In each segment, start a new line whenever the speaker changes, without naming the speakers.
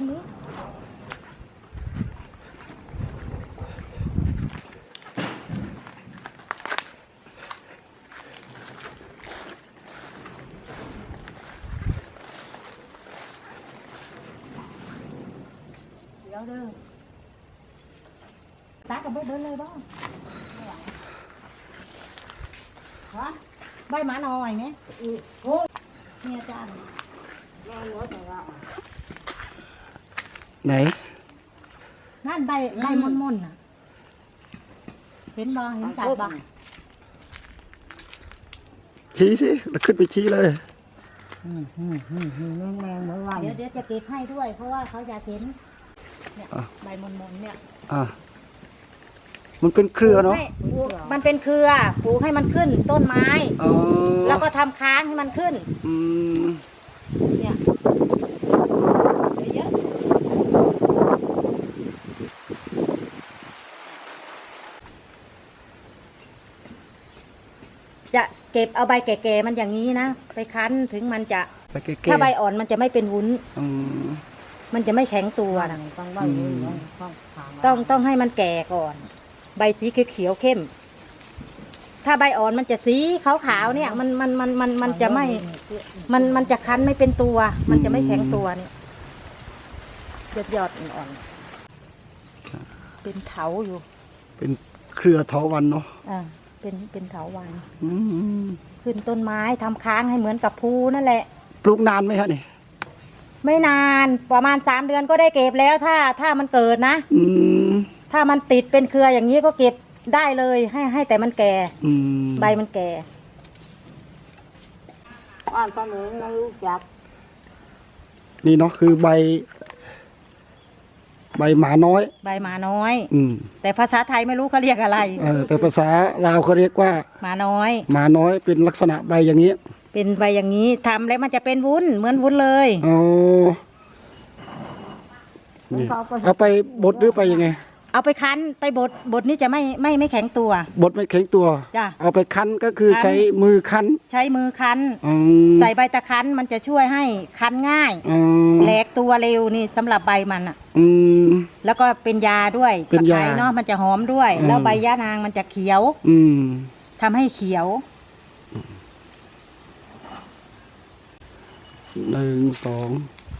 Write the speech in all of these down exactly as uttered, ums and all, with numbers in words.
นี้เดี๋ยวเด้อตากับเบิดเดินเลยบ้างฮะใบหมาหน่อยไหมโอ้เนี่ยจาน
ไหน
นั่นใบใบม่อนๆน่ะเห็นบ่เห็นจัดบ่
ชี้สิแล้วขึ้นไปชี้เลย
อืมอืมอืมอืมแมงเหมือนวันเดี๋ยวเดี๋ยวจะเก็บให้ด้วยเพราะว่าเขาอยากเห็นเนี่ยใบม่อนๆเนี่ย
อ่ามันเป็นเครือเนาะ
มันเป็นเครือปลูกให้มันขึ้นต้นไม้แล้วก็ทำค้างให้มันขึ้น
อืม
เนี่ยเยอะจะเก็บเอาใบแก่ๆมันอย่างนี้นะไปคั้นถึงมันจะถ้าใบอ่อนมันจะไม่เป็นวุ้นมันจะไม่แข็งตัวนะต้องต้องให้มันแก่ก่อนใบสีเขียวเข้มถ้าใบอ่อนมันจะสีขาวๆเนี่ยมันมันมันมันมันจะไม่มันมันจะคั้นไม่เป็นตัวมันจะไม่แข็งตัวเนี่ยยอดยอดอ่อนเป็นเถาอยู่
เป็นเครือเถาวัลย์เนาะ
อ่าเป็นเป็นเถาวัลย์ขึ้นต้นไม้ทำค้างให้เหมือนกับภูนั่นแหละ
ปลูกนานไหมฮะนี่
ไม่นานประมาณสามเดือนก็ได้เก็บแล้วถ้าถ้ามันเกิดนะถ้ามันติดเป็นเครืออย่างนี้ก็เก็บได้เลยให้ให้แต่มันแก่ใบมันแก่อ่านตอนนี้ไม่รู้จัก
นี่เนาะคือใบใบหมาน้อย
ใบหมาน้อยอืมแต่ภาษาไทยไม่รู้เขาเรียกอะไร
เออแต่ภาษาลาวเขาเรียกว่า
หมาน้อย
หมาน้อยเป็นลักษณะใบอย่างนี้
เป็นใบอย่างนี้ทำแล้วมันจะเป็นวุ้นเหมือนวุ้นเลย
อ๋อเอาไปบดหรือไปยังไง
เอาไปคั้นไปบดบดนี่จะไม่ไม่ไม่แข็งตัว
บดไม่แข็งตัว
จ้ะ
เอาไปคั้นก็คือใช้มือคั้น
ใช้มือคั้นใส่ใบตะคั้นมันจะช่วยให้คั้นง่ายแหลกตัวเร็วนี่สำหรับใบมันอ่ะแล้วก็เป็นยาด้วย
เป็นยา
เนาะมันจะหอมด้วยแล้วใบยะนางมันจะเขียวทำให้เขียว
หนึ่งสอง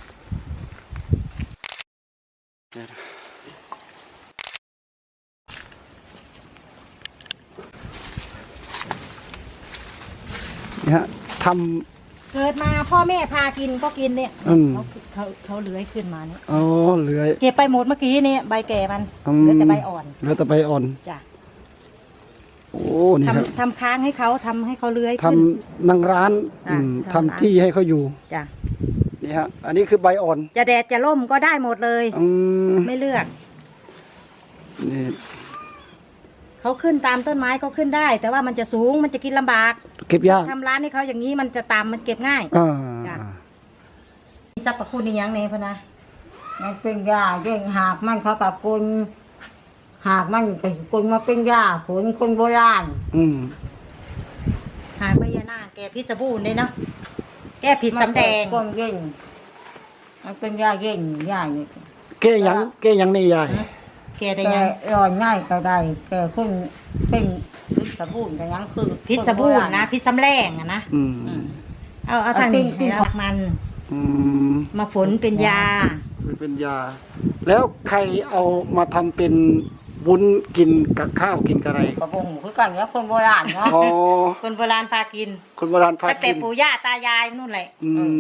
นี่ฮะท
ำเกิดมาพ่อแม่พากินก็กินเนี่ยเขาเขาเขาเลื้อยขึ้นมาเนี่ย
อ๋อเลื้อย
เก็บไปหมดเมื่อกี้นี่ใบแก่มันเหลือแต่ใบอ่อน
เหลือแต่ใบอ่อน
จ้ะ
โอ้นี่ครับ
ทำค้างให้เขาทำให้เขาเลื้อย
ทำนั่งร้านทำที่ให้เขาอยู่
จ้ะ
นี่ฮะอันนี้คือใบอ่อน
จะแดดจะร่มก็ได้หมดเลยไม่เลือก
นี่
เขาขึ้นตามต้นไม้ก็ขึ้นได้แต่ว่ามันจะสูงมันจะกินลำบาก
เก็บยาก
ทำร้านให้เขาอย่างนี้มันจะตามมันเก็บง่ายจ้ะสรรพคุณในยังไงพะนะ
มันเป็นยาเย่งหากมันเขากับคนหากมันเป็นคนมาเป็นยาผลคนโบราณ
อืม
หากใบยานาแก้พิษสบู่เลยเนาะแก้ผิดสำแดง
ก้นเย่งมันเป็นยาเย่งยาเนี่ย
แก้ยังแก้ยังนี่ยาย
แก้ได้ยัง
ร้อนง่ายก็ได้แก้คนเป็นพิษสบู่แต่ยังคือ
พิษสบู่นะพิษสำแดงอะนะเอาเอาทางนี้ให้เรามันมาฝนเป็นยา
เป็นยาแล้วใครเอามาทำเป็นวุ้นกินกับข้าวกินกับอะไร
กระพงคือกันเนี่ยคนโบราณเนาะ
คนโบราณพากิน
คนโบราณพากิน
แต่ปู่ย่าตายายนู่นแหละ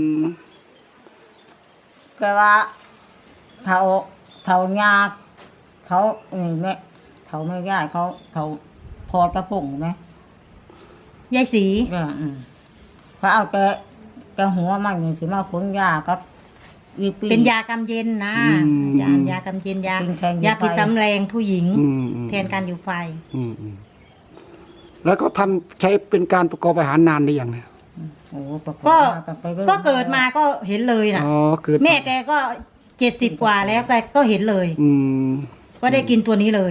แต่ว่าเถาเถายาเขานี่แม่เถาไม่ย่าเขาเถาพอกระพงไหม
ยายสี
เขาเอาแต่แต่หัวมันนี่สิมาขนยาครับ
เป็นยากำเย็นนะยายากำเย็นยายาพิษสำแดงผู้หญิงแทนการอยู่ไฟ
แล้วก็ทำใช้เป็นการประกอบอาหารนานหรือยังเนี่ย
ก็ก็เกิดมาก็เห็นเลยนะแม่แกก็เจ็ดสิบกว่าแล้วแกก็เห็นเลยก็ได้กินตัวนี้เลย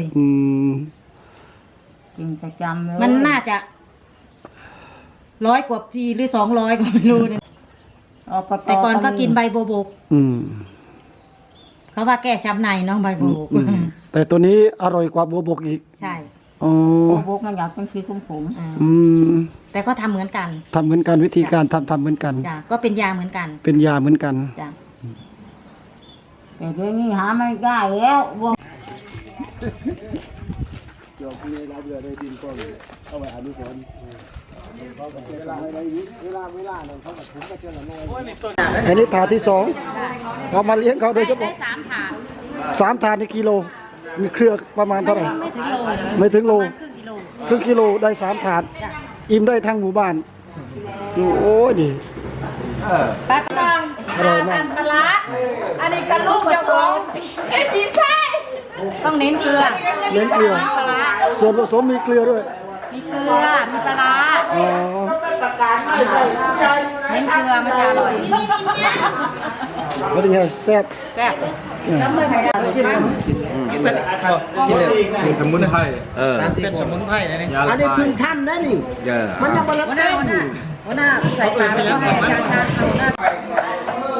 กินประจำเลย
มันน่าจะร้อยกว่าปีหรือสองร้อยก็ไม่รู้เนี่ยแต่ก่อนก็กินใบโบโบกเขาว่าแก้ช้ำในเนาะใบบัวบก
อืมแต่ตัวนี้อร่อยกว่าบัวบกอีก
ใช่
อ๋อ
โอ้บกมันอยากเป็นสีขมขม
อ่า
อืม
แต่ก็ทำเหมือนกัน
ทำเหมือนกันวิธีการทำทำเหมือนกัน
จ้ะก็เป็นยาเหมือนกัน
เป็นยาเหมือนกัน
จ้ะ
แต่เดี๋ยวนี้หาไม่ได้แล้วบว
อันนี้ถาดที่สองเอามาเลี้ยงเขาโดยเฉ
ได้
พาะ
สามถาด
สามถาดในกิโล มีเครือประมาณเท่าไหร่
ไม่ถึงโล
ไม่ถึงโล
ประมาณครึ่งกิโล
ครึ่งกิโลได้สามถาด
จ้ะ
อิ่มได้ทั้งหมู่บ้านโอ้ยนี่
แป๊บนึง
อร่อยมาก
ปลาร้าอันนี้กระลูกจะของเอ็ดีไซต้องเน้นเกลือ
เน้นเกลือ
ปลาร้า
ส่วนผสมมีเกลือด้วย
มีเกลือ มีปลาร้า
อ๋อ
เน้นเกลือมันจะอร่อย
เป็นไงแซ่บ
แซ่บ
เออ
เป็นสมุนไพรเออ
เป็นสมุนไพรนะนี่
ยา
อั
ละ
นนี้
ลาย
เพึ่งท่านนะนี่
เออ
มันยังบรรลุ
หัวหน้าหัวหน้าหัวหน้าใส่ปลาแล้วให้อาจารย์ชาญเอาหน้า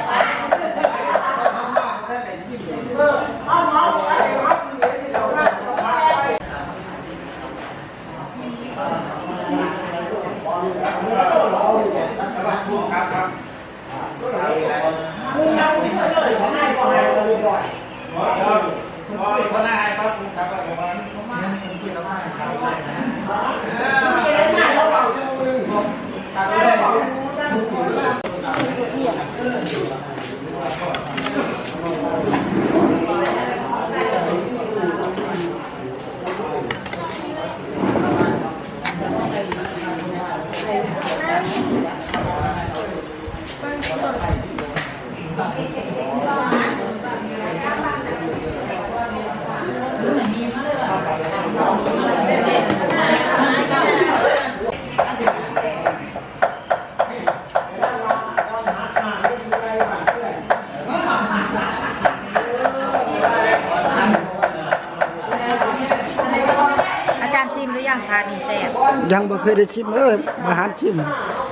อาจารย์ชิมหรือยังทานนี่แซ่บ
ยังไม่เคยได้ชิมเลยอาหารชิม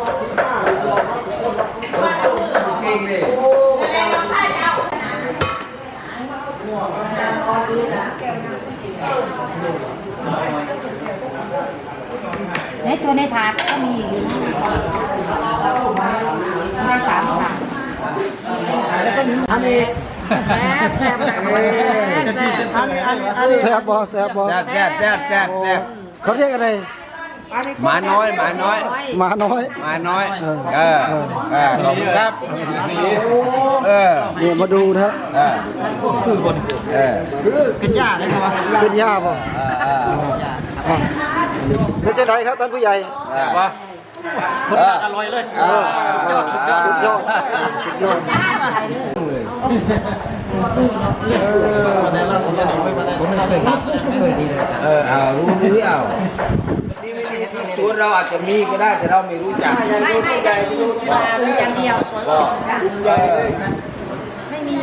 ในตัวในถาดก็มีอยู่นะได้สามถาดแล้วก็มี
อันนี้
แซ่บแซ่บแซ่บแซ่บแซ่บ
อันนี้อันนี้อันนี้
แซ่บบ่แซ่บบ่
แซ่บแซ่บแซ่บแซ่บแซ่บ
เขาเรียกอะไร
หมาน้อยหมาน้อย
หมาน้อย
หมาน้อย
เออ
เออเออขอบคุณครับเออ
เนี่ยมาดูนะฮะ
เออ
คือบน
เออ
คือเป็นหญ้าได้ไหมวะ
เป็นย่าบ่
เออเออ
อ่ะแล้วจะไหนครับท่านผู้ใหญ่
เออ
วะรสชาติอร่อยเลย
เออ
สุดยอดสุดยอด
สุดยอดสุดยอด
มาได้รับสิ่งนี้ไม่มาได้เราได้รับ
เออเอารู้หรือเอาส่วนเราอาจจะมีก็ได้แต่เราไม่รู้จัก
ไม่ไม่ไม่มีบอกปรุงอย่างเดียว
ก็
จ้ะไม่มี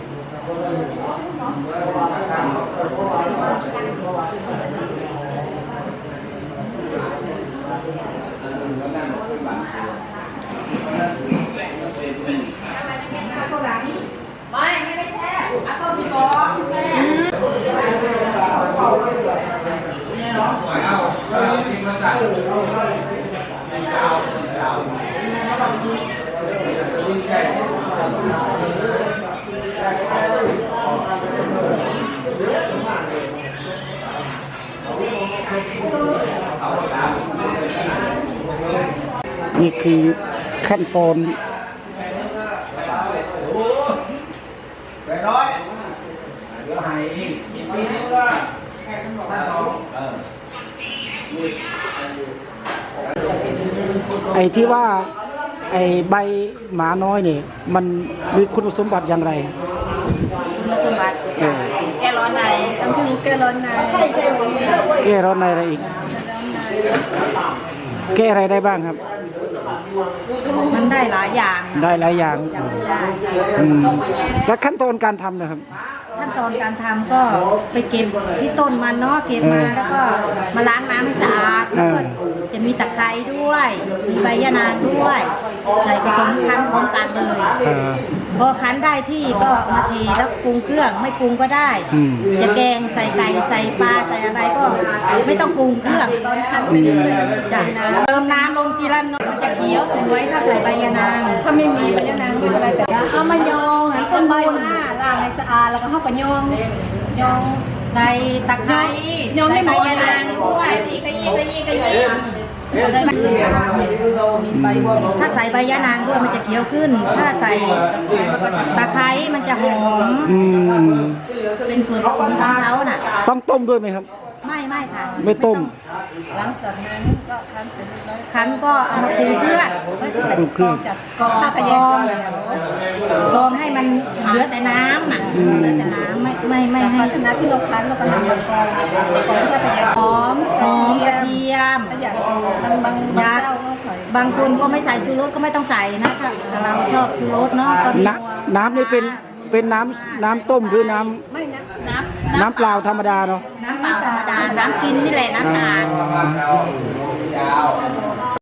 นี่คือขั้นตอน
ไปร้อยเดี๋ยวให้อีกอีกทีนึงว่าเออ
ไอ้ที่ว่าไอ้ใบหมาน้อยเนี่ยมันมีคุณสมบัติอย่างไร
คุณสมบัติ
เออ
แก้ร้อนในน้ำผึ้งแก้ร้อนใน
แก้ร้อนในอะไรอีก แก้อะไรได้บ้างครับ
มันได้หลายอย่าง
ได้หลายอย่าง
ได้
อืมแล้วขั้นตอนการทำนะครับ
ขั้นตอนการทำก็ไปเก็บที่ต้นมันเนาะเก็บมาแล้วก็มาล้างน้ำให้สะอาดแล้วก็จะมีตะไคร้ด้วยมีใบยะนางด้วยใส่ผสมคั้นพร้อมกันเลย
เออ
พอคั้นได้ที่ก็เอามาเทแล้วปรุงเครื่องไม่ปรุงก็ได้
อืม
จะแกงใส่ไก่ใส่ปลาใส่อะไรก็ไม่ต้องปรุงเครื่องตอนคั้นไปเรื่อยๆจากน้ำเติมน้ำลงทีละน้อยมันจะเขียวสวยถ้าใส่ใบยะนางถ้าไม่มีใบยะนางไม่เป็นไรแต่เอามายองให้ต้นใบมาล้างให้สะอาดแล้วก็เข้าไปยองยองใส่ตะไคร้ยองให้ใบยะนางด้วยอีกอีกอีกอีกถ้าใส่ใบยะนางด้วยมันจะเขียวขึ้น ถ้าใส่ตะไคร้มันจะหอม
อืม
เป็นส่วนผสมของเขาน่ะ
ต้องต้มด้วยไหมครับ
ไม่ไม่ค่ะ
ไม่ต้ม
หลังจากนั้นก็คั้นเสร็จแล้วคั้นก็เอามาปรุงเครื่อง
ปรุงเครื่อง
จับกรองถ้าพยากรองกรองให้มันเหลือแต่น้ำน่ะเหลือแต่น้ำไม่ไม่ไม่ให้ชนะที่เราคั้นเราก็ทำกรองกรองที่พยากรองหอมกระเทียมบางบางเจ้าก็ใส่บางคนก็ไม่ใส่ชูรสก็ไม่ต้องใส่นะถ้าแต่เราชอบชูรสเนาะก็
น้ำน้ำนี่เป็นเป็นน้ำน้ำต้มหรือน้ำ
ไม่นะน้ำ
น้ำเปล่าธรรมดาเนาะ
น้ำเปล่าธรรมดา น้ำกินนี่แหละน้ำสะอาด
ยาว